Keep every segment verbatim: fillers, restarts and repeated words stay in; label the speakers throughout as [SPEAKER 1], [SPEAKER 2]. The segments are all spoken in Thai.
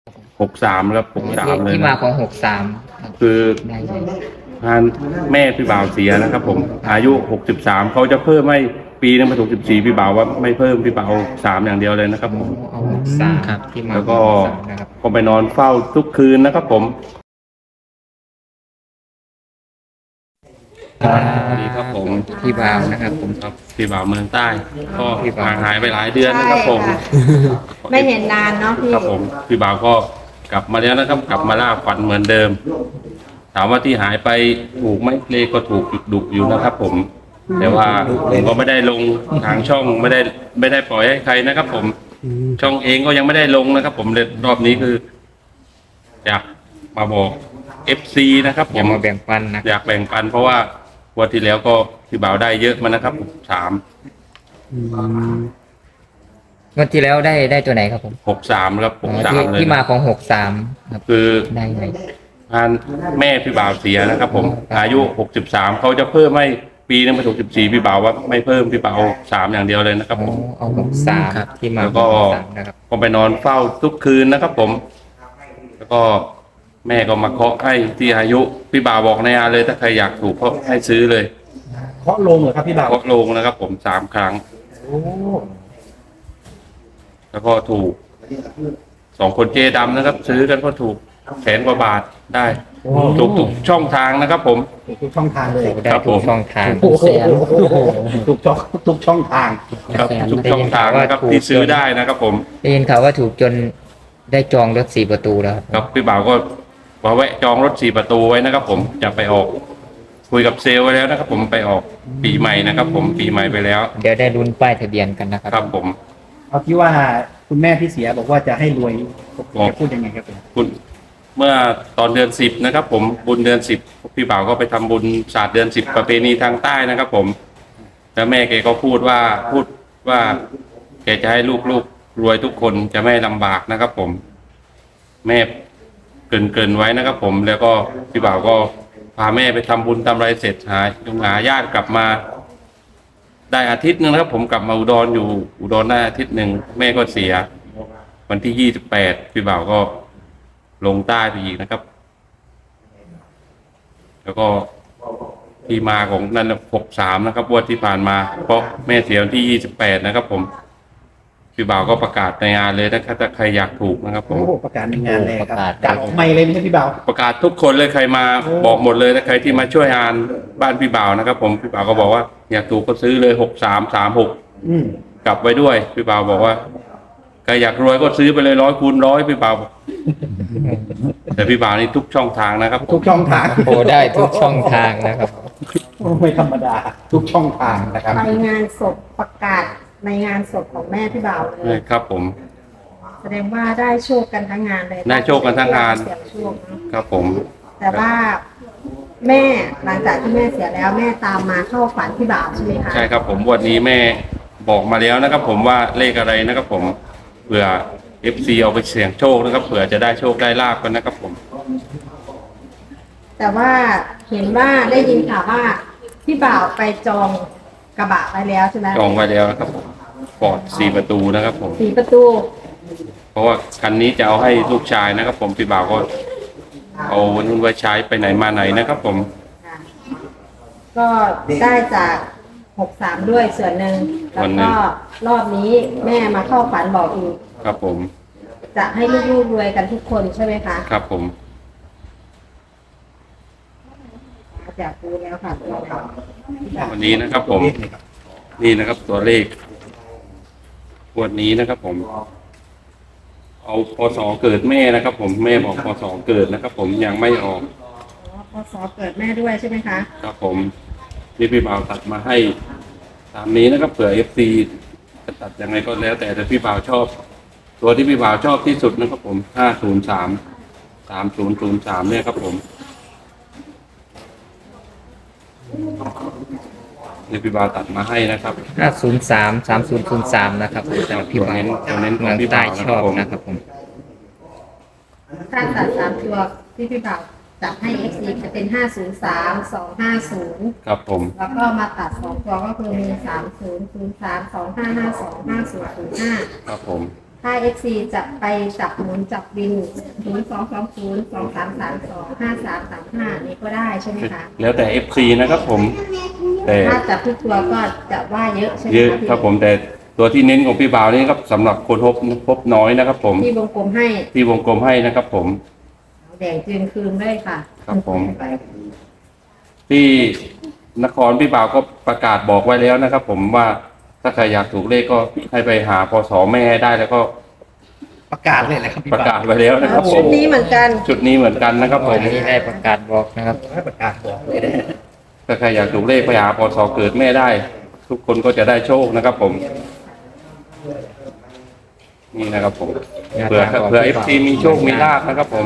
[SPEAKER 1] หกสามครับหกสามเลย
[SPEAKER 2] ที่มาของหกสาม
[SPEAKER 1] คือ
[SPEAKER 2] ได้เลย
[SPEAKER 1] ทานแม่พี่บ่าวเสียนะครับผมอายุหกสิบสามเขาจะเพิ่มให้ปีนึงมาถูกสิบสี่พี่บ่าวว่าไม่เพิ่มพี่บ่าวสามอย่างเดียวเลยนะครับผม
[SPEAKER 2] เอาหกสามครับที่มา
[SPEAKER 1] แล้วก็
[SPEAKER 2] ของหกสามนะครับ
[SPEAKER 1] ก็ไปนอนเฝ้าทุกคืนนะครับผมสวัสดีครับผม
[SPEAKER 2] พี่บ่าวนะครับผม
[SPEAKER 1] ครับพี่บ่าวเมืองใต้ก็
[SPEAKER 2] พี่บ่าว
[SPEAKER 1] ห่างหายไปหลายเดือนนะครับผม
[SPEAKER 3] ไม่เห็นนานเนาะพี่
[SPEAKER 1] ครับผมพี่บ่าวก็กลับมาแล้วนะครับกลับมาล่าฝันเหมือนเดิมถามว่าที่หายไปถูกไหมเลขก็ถูกดุอยู่นะครับผมแต่ว่าผมก็ไม่ได้ลงทางช่องไม่ได้ไม่ได้ปล่อยให้ใครนะครับผมช่องเองก็ยังไม่ได้ลงนะครับผมเลยรอบนี้คือ อยากมาบอก เอฟ ซี นะครับผ
[SPEAKER 2] อย่าม มาแบ่งปันนะ
[SPEAKER 1] อยากแบ่งปันเพราะว่าวันที่แล้วก็พี่บ่าวได้เยอะมานะครับสาม
[SPEAKER 2] วันที่แล้วได้ได้ตัวไหนครับผม
[SPEAKER 1] หกสามครับหกสาม
[SPEAKER 2] ที่
[SPEAKER 1] เลย
[SPEAKER 2] ที่มาของหกสามครับ
[SPEAKER 1] คือ
[SPEAKER 2] ได้เลย
[SPEAKER 1] ทานแม่พี่บ่าวเสียนะครับผมอายุหกสิบสามเขาจะเพิ่มให้ปีนึงมาถูกสิบสี่พี่บ่าวว่าไม่เพิ่มพี่บ่าวสามอย่างเดียวเลยนะครับผม
[SPEAKER 2] เอาหกสามที่มา
[SPEAKER 1] แล้ว
[SPEAKER 2] ข
[SPEAKER 1] ก็
[SPEAKER 2] องหกสามนะครับ
[SPEAKER 1] ก็ไปนอนเฝ้าทุกคืนนะครับผม แล้วก็แม่ก็มาเคาะให้ที่อายุพี่บ่าวบอกในอาเลยถ้าใครอยากถูกก็ให้ซื้อเลย
[SPEAKER 4] เคาะลงเหรอครับพี่บ่าว
[SPEAKER 1] เคาะลงนะครับผมสามครั้ง
[SPEAKER 4] โอ้
[SPEAKER 1] แล้วก็ถูกสองคนเจดำนะครับ ซื้อกันก็ถูกแสนกว่าบาทได้ถูกทุกช่องทางนะครับผม
[SPEAKER 4] ทุกช่องทางเลย
[SPEAKER 2] ได้
[SPEAKER 1] ครับ
[SPEAKER 2] ทุ
[SPEAKER 1] ผ
[SPEAKER 2] ก
[SPEAKER 1] ม
[SPEAKER 2] ช่องทาง
[SPEAKER 4] โอ้โหทุกช่องทุกช่องทาง
[SPEAKER 1] ครับทุกช่องทางนะครับที่ซื้อได้นะครับผม
[SPEAKER 2] ได้ยินข่าวว่าถูกจนได้จองรถสี่ประตูแล้วครับ
[SPEAKER 1] ครับพี่บ่าวก็มาแวะจองรถสี่ประตูไว้นะครับ ผมจะไปออก คุยกับเซลล์ไว้แล้วนะครับ ผมไปออกปีใหม่นะครับ ผมปีใหม่ไปแล้ว
[SPEAKER 2] เดี๋ยวได้ลุ้นป้ายทะเบียนกันนะครับ
[SPEAKER 1] ครับผม
[SPEAKER 4] เอาที่ว่าคุณแม่พี่เสียบอกว่าจะให้รวย
[SPEAKER 1] บอก
[SPEAKER 4] จะพูดยังไงครับผม
[SPEAKER 1] คุณเมื่อตอนเดือนสิบนะครับ ผมบุญเดือนสิบพี่บ่าวก็ไปทำบุญศาสตร์เดือนสิบประเพณีทางใต้นะครับ ผมแล้วแม่แกก็พูดว่าพูดว่าแกจะให้ลูกๆรวยทุกคนจะไม่ลำบากนะครับ ผม แม่เกรินเกรินไว้นะครับ ผมแล้วก็พี่บ่าวก็พาแม่ไปทำบุญทำอะไรเสร็จหาหาญาติกลับมา ได้อาทิตย์หนึ่งนะครับ ผมกลับมาอุดรอยู่อุดรได้อาทิตย์หนึ่งแม่ก็เสีย วันที่ยี่สิบแปดพี่บ่าวก็ลงใต้ไปอีกนะครับ แล้วก็ที่มาของนั่นหกสามนะครับวันที่ผ่านมาเพราะแม่เสียวันที่ยี่สิบแปดนะครับ ผมพี่บ่าวก็ประกาศในงานเลยนะครับถ้าใครอยากถูกนะครับ ผม
[SPEAKER 4] โอ้โหประกาศในงานเลยครับ
[SPEAKER 2] ประกาศ
[SPEAKER 4] จากไม่เลยไม่ใช่พี่บ่าว
[SPEAKER 1] ประกาศทุกคนเลยใครมาบอกหมดเลยนะใครที่มาช่วยงานบ้านพี่บ่าวนะครับ ผมพี่บ่าวก็บอกว่าอยากถูกก็ซื้อเลยหกสามสามหก
[SPEAKER 4] อืม
[SPEAKER 1] กลับไว้ด้วยพี่บ่าวบอกว่าใครอยากรวยก็ซื้อไปเลยร้อยคูณร้อยพี่บ่าวบอกแต่พี่บ่าวนี่ทุกช่องทางนะครับ
[SPEAKER 4] ทุกช่องทาง
[SPEAKER 2] โอ้ได้ทุกช่องทางนะครับ
[SPEAKER 4] โอ้ไม่ธรรมดา ทุกช่องทางนะครับ
[SPEAKER 3] ไปงานศพประกาศในงานศพของแม่พี่บ่าวเล
[SPEAKER 1] ใช่
[SPEAKER 3] ย
[SPEAKER 1] ครับผม
[SPEAKER 3] แสดงว่าได้โชคกันทั้งงานเลย
[SPEAKER 1] ได้โชคกันทั้งงาน
[SPEAKER 3] เสียงโชคเนอะ
[SPEAKER 1] ครับผม
[SPEAKER 3] แต่ว่าแม่หลังจากที่แม่เสียแล้วแม่ตามมาเข้าฝันพี่บ่าวใช่ไหมคะ
[SPEAKER 1] ใช่ครับผมวันนี้แม่บอกมาแล้วนะครับ ผมว่าเลขอะไรนะครับ ผมเผื่อ เอฟ ซี เอาไปเสี่ยงโชคนะครับเผื่อจะได้โชคได้ลาบกันนะครับ ผม
[SPEAKER 3] แต่ว่าเห็นว่าได้ยินข่าวว่าพี่บ่าวไปจองกระบะไว้แล้วใช่ไหม
[SPEAKER 1] จองไว้แล้วนะครับผมปอดสี่ประตูนะครับ ผม
[SPEAKER 3] สี่ประตู
[SPEAKER 1] เพราะว่าคันนี้จะเอาให้ลูกชายนะครับ ผมพี่บ่าวก็เอาวันนู้นไว้ใช้ไปไหนมาไหนนะครับ ผม
[SPEAKER 3] ค่ะก็ได้จากหกสามด้วยส่วนหนึ่งแล้วก็รอบนี้แม่มาเข้าฝันบอกอีก
[SPEAKER 1] ครับผม
[SPEAKER 3] จะให้ลูกๆรวยกันทุกคนใช่ไหมคะ
[SPEAKER 1] ครับผม
[SPEAKER 3] อยากรู้แล้วค่ะ
[SPEAKER 1] วันนี้นะครับ ผม นี่นะครับ ตัวเลขวันนี้นะครับ ผม เอาพศเกิดแม่นะครับ ผมแม่บอกพศเกิดนะครับ ผมยังไม่ออก
[SPEAKER 3] อ๋อพศเกิดแม่ด้วยใช่ไหมคะ
[SPEAKER 1] ครับผมนี่พี่บ่าวตัดมาให้ตามนี้นะครับเผื่อเอฟซีจะตัดยังไงก็แล้ว แต่แต่พี่บ่าวชอบ ตัวที่พี่บ่าวชอบที่สุดนะครับ ผมห้าศูนย์สามสามศูนย์ศูนย์สามเนี่ยครับ ผมนี่พี่บ่าวตัดมาให้นะครับ
[SPEAKER 2] ห้าศูนย์สามสามศูนย์ศูนย์สามนะครับแต่ว่าพี่บ่าว
[SPEAKER 1] ตัวเน้นตัวเน้นของ
[SPEAKER 2] เมือง
[SPEAKER 1] พี่
[SPEAKER 2] ใต้
[SPEAKER 1] บ่าว
[SPEAKER 2] ชอบ
[SPEAKER 1] นะครับผม
[SPEAKER 2] นะครับผม
[SPEAKER 3] ถ้าตัดสามตัวที่พี่บ่าวจับให้ เอฟ ซี จะเป็นห้าศูนย์สามสองห้าศูนย์
[SPEAKER 1] ครับผม
[SPEAKER 3] แล้วก็มาตัดสองตัวก็คือมีสามศูนย์ศูนย์สามสองห้าห้าสองห้าศูนย์ศูนย์ห้า
[SPEAKER 1] ครับผม
[SPEAKER 3] ถ้า เอฟ ซี จะไปจับหมุนจับบินศูนย์ สอง สอง ศูนย์ สอง สาม สาม สอง ห้า สาม สาม ห้านี่ก็ได้ใช่ไหมคะ
[SPEAKER 1] แล้วแต่ เอฟ ซี นะครับผม แต่
[SPEAKER 3] ถ้าจับทุกตัวก็จะว่าเยอะใช่ไหม
[SPEAKER 1] เยอะ
[SPEAKER 3] พี่
[SPEAKER 1] ครับผมแต่ตัวที่เน้นของพี่บ่าวนี่ครับสำหรับคนพบพบน้อยนะครับผม
[SPEAKER 3] ที่วงกลมให้
[SPEAKER 1] ที่วงกลมให้นะครับผม
[SPEAKER 3] แดงจึงคืนเลยค่ะ
[SPEAKER 1] ครับผม ที่นครพี่บ่าวก็ประกาศบอกไว้แล้วนะครับผมว่าถ้าใครอยากถูกเลขก็ให้ไปหาพศแม่ให้ได้แล้วก็
[SPEAKER 4] ประกาศเลยแหละครับพี่
[SPEAKER 1] ประ
[SPEAKER 4] บ่าว
[SPEAKER 1] กาศไว้แล้วนะครับผ
[SPEAKER 3] ชุ
[SPEAKER 1] ม
[SPEAKER 3] ดนี้เหมือนกัน
[SPEAKER 1] ชุดนี้เหมือนกันนะครับผ
[SPEAKER 2] วัน
[SPEAKER 1] ม
[SPEAKER 2] นี้ได้ประกาศบอกนะครับ
[SPEAKER 4] ให้ประกาศบอกเลยนะ
[SPEAKER 1] ถ้าใครอยากถูกเลขไปหาพศเกิดแม่ได้ ทุกคนก็จะได้โชคนะครับผม นี่นะครับผมเผื่อเผื่อเอฟซีมีโชคมีลาภนะครับผม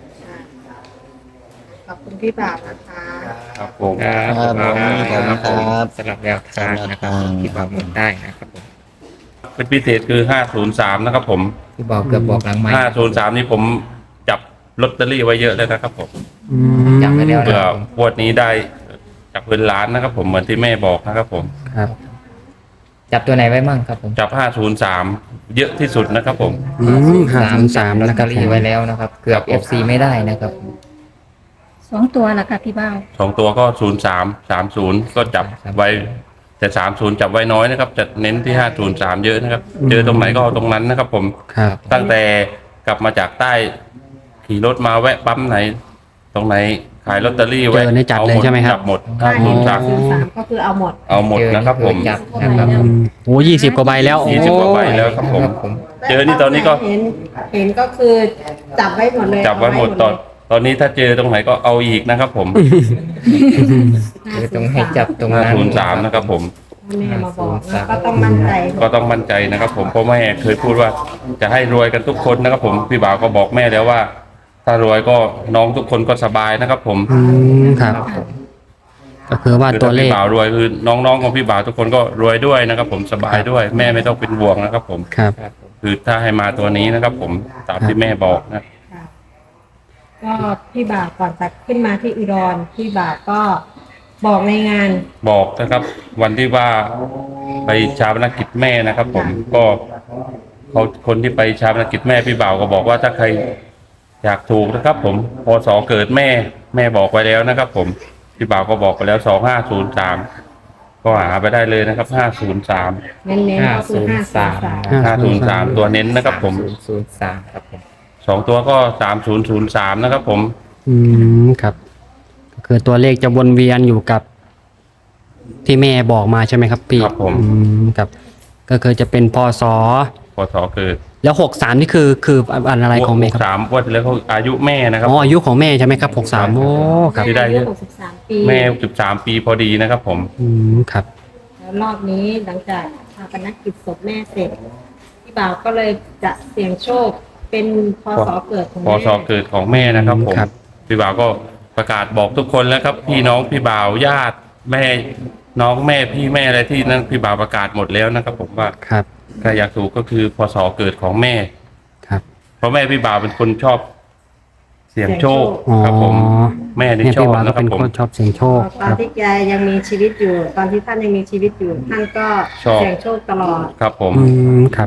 [SPEAKER 3] ขอบคุณพี่บ่าวนะคะ
[SPEAKER 1] ครับผม
[SPEAKER 2] ครับ
[SPEAKER 5] ครับ
[SPEAKER 1] ครับผม
[SPEAKER 5] ครับ
[SPEAKER 2] สำหรับแนวทางนะครับที่บอกหมดได้นะครับผม
[SPEAKER 1] เป็นพิเศษคือห้าศูนย์สามนะครับผม
[SPEAKER 2] ที่บอกเกือบบอกหลังไม้
[SPEAKER 1] ห้าศูนย์สามนี่ผมจับลอตเตอรี่ไว้เยอะเลยนะครับผม
[SPEAKER 2] จำไว้แล้ว
[SPEAKER 1] เผื่
[SPEAKER 2] นะ
[SPEAKER 1] อ
[SPEAKER 2] ครับผม
[SPEAKER 1] งวดนี้ได้จากเงินล้านนะครับผมเหมือนที่แม่บอกนะครับผม
[SPEAKER 2] ครับ จับตัวไหนไว้มั่งครับผม
[SPEAKER 1] จับห้าศูนย์สามเยอะที่สุดนะครับผม
[SPEAKER 5] อืมห้าศูนย์สาม
[SPEAKER 2] ลอต
[SPEAKER 5] นะค
[SPEAKER 2] เต
[SPEAKER 5] รั
[SPEAKER 2] อบ รี่ไว้แล้วนะครับ เกือบ เอฟ ซี ไม่ได้นะครับ
[SPEAKER 6] สองตัวละค่ะพี่บ้าว
[SPEAKER 1] สองตัวก็ศูนย์สามสามศูนย์ก็จับไว้แต่สามศูนย์จับไว้น้อยนะครับจะเน้นที่ห้าศูนย์สามเยอะนะครับ เจอตรงไหนก็เอาตรงนั้นนะครับผม
[SPEAKER 5] ครับ
[SPEAKER 1] ตั้งแต่กลับมาจากใต้ขี่รถมาแวะปั๊มไหน ตรงไหนขายลอตเตอรี่ไว้
[SPEAKER 5] เจอในจัดเลยใช่ไหมครับ
[SPEAKER 1] จับหมด
[SPEAKER 3] ถ้า
[SPEAKER 1] ศู
[SPEAKER 3] เห็น
[SPEAKER 1] นย์สาม
[SPEAKER 3] ศูนย์สามก็คือเอาหมด
[SPEAKER 1] เอาหมดนะครับผม
[SPEAKER 2] เจอจับนะครับผม
[SPEAKER 5] โอ้ยี่สิบกว่าใบแล้ว
[SPEAKER 1] ยี่สิบกว่าใบแล้วครับผม
[SPEAKER 2] ครับผม
[SPEAKER 1] เจอนี่ตอนนี้ก็
[SPEAKER 3] เห็นเห็นก็คือจับไว้หมดเลย
[SPEAKER 1] จับไว้หมดตอนตอนนี้ถ้าเจอตรงไหนก็เอาอีกนะครับผม
[SPEAKER 2] คือต้องให้จับตรง
[SPEAKER 1] ห้า
[SPEAKER 2] นั้น
[SPEAKER 1] ศูนย์สามนะครับผม
[SPEAKER 3] แม่มาบอกนะก็ต้องมั่นใจ
[SPEAKER 1] ก็ต้องมั่นใจนะครับผมเพราะแม่เคยพูดว่าจะให้รวยกันทุกคนนะครับผมพี่บ่าวก็บอกแม่แล้วว่า ถ้ารวยก็น้องทุกคนก็สบายนะครับผม
[SPEAKER 5] อืมครับ ก็คือว่า
[SPEAKER 1] คือ
[SPEAKER 5] ตัว
[SPEAKER 1] ถ้า
[SPEAKER 5] เล
[SPEAKER 1] พี่
[SPEAKER 5] ข
[SPEAKER 1] บ่าวรวยคือน้องๆของพี่บ่าวทุกคนก็รวยด้วยนะครับผมสบายด้วย แม่ไม่ต้องเป็นห่วงนะครับผม
[SPEAKER 5] ครับ
[SPEAKER 2] ครับผม
[SPEAKER 1] คือถ้าให้มาตัวนี้นะครับผมตามที่แม่บอกนะ
[SPEAKER 3] ค่ะก็พี่บ่าวก่อนจะขึ้นมาที่อุดรพี่บ่าวก็บอกในงาน
[SPEAKER 1] บอกนะครับ วันที่ว่าไปชาปนกิจแม่นะครับ ผมก็เขาคนที่ไปชาปนกิจแม่พี่บ่าวก็บอกว่าถ้าใครอยากถูกนะครับ ผมพศเกิดแม่แม่บอกไว้แล้วนะครับ ผมพี่บ่าวก็บอกไปแล้วสองห้าศูนย์สามก็หาไปได้เลยนะครับห้าศูนย์สาม
[SPEAKER 3] เน้นๆก็คือห้าศูนย์สาม
[SPEAKER 1] ห้าศูนย์สามตัวเน้นนะครับ ผม
[SPEAKER 2] ศูนย์ศูนย์สามครับผม
[SPEAKER 1] สองตัวก็สามศูนย์ศูนย์สามนะครับ ผม
[SPEAKER 5] อืมครับ ก็คือตัวเลขจะวนเวียนอยู่กับ ที่แม่บอกมาใช่ไหมครับพี่
[SPEAKER 1] ครับผม
[SPEAKER 5] อืมครับ ก็คือจะเป็นพศ
[SPEAKER 1] พศเกิด
[SPEAKER 5] แล้วหกสามนี่คือคืออะไรของแม่
[SPEAKER 1] ห
[SPEAKER 5] ค
[SPEAKER 1] ก
[SPEAKER 5] รับ
[SPEAKER 1] สามวันที่แล้วเขาอายุแม่นะครับ
[SPEAKER 5] อ๋ออายุของแม่ใช่ไหมครับหกสามโอ้ครับ
[SPEAKER 1] ที่ได้
[SPEAKER 3] อายุหกสิบสามปี
[SPEAKER 1] แม่สิบสามปีพอดีนะครับ ผม
[SPEAKER 5] อืมครับ
[SPEAKER 3] แล้วรอบนี้หลังจากชาปนกิจศพแม่เสร็จพี่บ่าวก็เลยจะเสี่ยงโชคเป็นพศเกิดของ
[SPEAKER 1] พ
[SPEAKER 3] แม่
[SPEAKER 1] ศเกิดของแม่นะครับ ผม
[SPEAKER 5] ครับ
[SPEAKER 1] พี่บ่าวก็ประกาศบอกทุกคนแล้วครับ พี่น้องพี่บ่าวญาติแม่น้องแม่พี่แม่อะไรที่นั่นพี่บ่าวประกาศหมดแล้วนะครับ ผมว่า
[SPEAKER 5] ครับ
[SPEAKER 1] ใครอยากถูกก็คือพศเกิดของแม่
[SPEAKER 5] ครับ
[SPEAKER 1] เพราะแม่พี่บ่าวเป็นคนชอบ เสี่ยงโชค
[SPEAKER 5] อ๋อ
[SPEAKER 1] ครับผม แม่นี่
[SPEAKER 5] เนี่ย
[SPEAKER 1] ชอ
[SPEAKER 5] พี่
[SPEAKER 1] บ
[SPEAKER 5] บาก็
[SPEAKER 1] นะครั
[SPEAKER 5] เป็
[SPEAKER 1] บ
[SPEAKER 5] น
[SPEAKER 1] ผม
[SPEAKER 5] คนชอบเสียงโชค
[SPEAKER 3] ต
[SPEAKER 5] ค
[SPEAKER 3] อน
[SPEAKER 5] รับ
[SPEAKER 3] ที่แกยังมีชีวิตอยู่ ตอนที่ท่านยังมีชีวิตอยู่ ท่านก็
[SPEAKER 1] ชอบ
[SPEAKER 3] เสี่ยงโชคตลอด
[SPEAKER 1] ครับผม
[SPEAKER 5] อืมครับ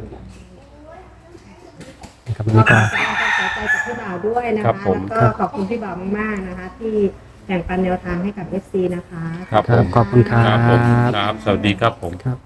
[SPEAKER 5] ครับวัน
[SPEAKER 3] ก็
[SPEAKER 5] นี้
[SPEAKER 3] ข
[SPEAKER 5] ก็
[SPEAKER 3] อแสดงความเสียใจกับพี่บ่าวด้วยนะ
[SPEAKER 1] ครั
[SPEAKER 3] คะ
[SPEAKER 1] บผม
[SPEAKER 3] แล้วก็ขอบคุณพี่บ่าวมากๆนะคะ ที่แบ่งปันแนวทางให้กับ เอฟ ซี นะคะ
[SPEAKER 1] ครับ
[SPEAKER 5] ค
[SPEAKER 1] ผ
[SPEAKER 5] รับ
[SPEAKER 1] ม
[SPEAKER 5] ขอบคุณครั
[SPEAKER 1] ครับผม
[SPEAKER 5] บ
[SPEAKER 1] ครับ สวัสดีครับผม
[SPEAKER 5] ครับ